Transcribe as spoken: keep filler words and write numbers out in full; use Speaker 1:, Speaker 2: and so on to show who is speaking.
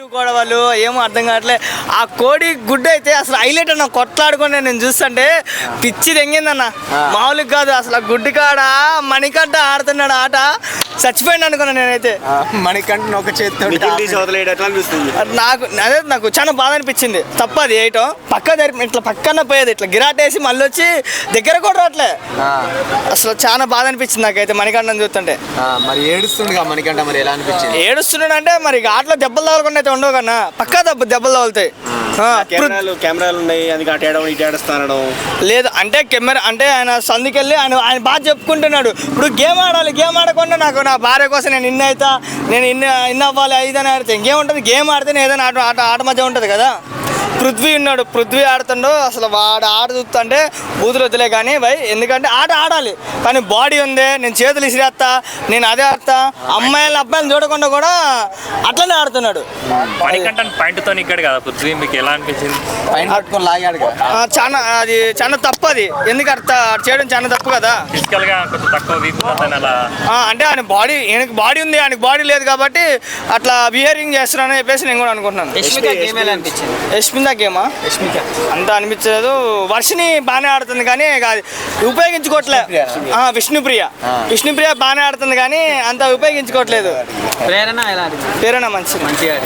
Speaker 1: కూడా వాళ్ళు ఏమో అర్థం కావట్లే. ఆ కోడి గుడ్డు అయితే అసలు హైలైట్ అన్న, కొట్లాడుకుని నేను చూస్తుంటే పిచ్చి తెంగిందన్న, మామూలుగా కాదు అసలు. ఆ గుడ్డు కాడ మణికంఠ ఆడుతున్నాడు ఆట, చచ్చిపోయింది అనుకున్నా నేనైతే.
Speaker 2: మణికంఠ ఒక చేతితో
Speaker 1: నాకు అదే నాకు చాలా బాధ అనిపించింది. తప్పది వేయటం, పక్క జరిపి ఇట్లా పక్కన పోయేది, ఇట్లా గిరాటేసి మళ్ళీ వచ్చి దగ్గర కూడా రావట్లే. అసలు చాలా బాధ అనిపించింది నాకైతే మణికంఠని చూస్తుంటే.
Speaker 2: మరి ఏడుస్తుండగా మణికంఠ, మరి ఎలా అనిపించింది?
Speaker 1: ఏడుస్తున్నాడు అంటే మరి ఆటలో దెబ్బలు తగలకుండా అయితే ఉండవు కన్నా, పక్కా దెబ్బ దెబ్బలు తగులుతాయి.
Speaker 3: కెమెరాలు ఉన్నాయి, అందుకే అటు ఏడవడం ఇటు ఏడుస్తాను
Speaker 1: లేదు అంటే కెమెరా అంటే ఆయన సందుకెళ్ళి ఆయన ఆయన బాగా చెప్పుకుంటున్నాడు. ఇప్పుడు గేమ్ ఆడాలి, గేమ్ ఆడకుండా నాకు నా భార్య కోసం నేను ఇన్ని అవుతా, నేను ఇన్ని ఇన్ని అవ్వాలి ఐదని ఆడితే ఇంకేం ఉంటుంది. గేమ్ ఆడితేనే ఏదైనా ఆట ఆట ఆట మధ్య ఉంటుంది కదా. పృథ్వీ ఉన్నాడు, పృథ్వీ ఆడుతుండో అసలు వాడు ఆట చూస్తుంటే బూతులు వద్దులే కానీ భయ్, ఎందుకంటే ఆట ఆడాలి కానీ బాడీ ఉంది, నేను చేతులు ఇసిరేస్తా, నేను అదే ఆడతా, అమ్మాయిలు అబ్బాయిలు చూడకుండా కూడా అట్లనే ఆడుతున్నాడు.
Speaker 4: పాయింట్తో ఇక్కడ కదా పృథ్వీ, మీకు ఎలా అనిపించింది?
Speaker 1: చాలా అది చాలా తప్పు, అది ఎందుకు అర్థ చేయడం చాలా తప్పు కదా.
Speaker 4: ఫిజికల్ గా కొంచెం తక్కువ వీక్ అలా
Speaker 1: అంటే ఆయన బాడీ, ఆయనకి బాడీ ఉంది, ఆయనకి బాడీ లేదు కాబట్టి అట్లా బిహేవింగ్ చేస్తున్నానని చెప్పేసి నేను కూడా అనుకుంటున్నాను. యష్మిత గేమా అంత అనిపించలేదు. వర్షిని బాగానే ఆడుతుంది కానీ ఉపయోగించుకోవట్లే. విష్ణుప్రియ విష్ణుప్రియ బాగానే ఆడుతుంది కానీ అంత ఉపయోగించుకోవట్లేదు. ప్రేరణ ప్రేరణ మంచి మంచిగా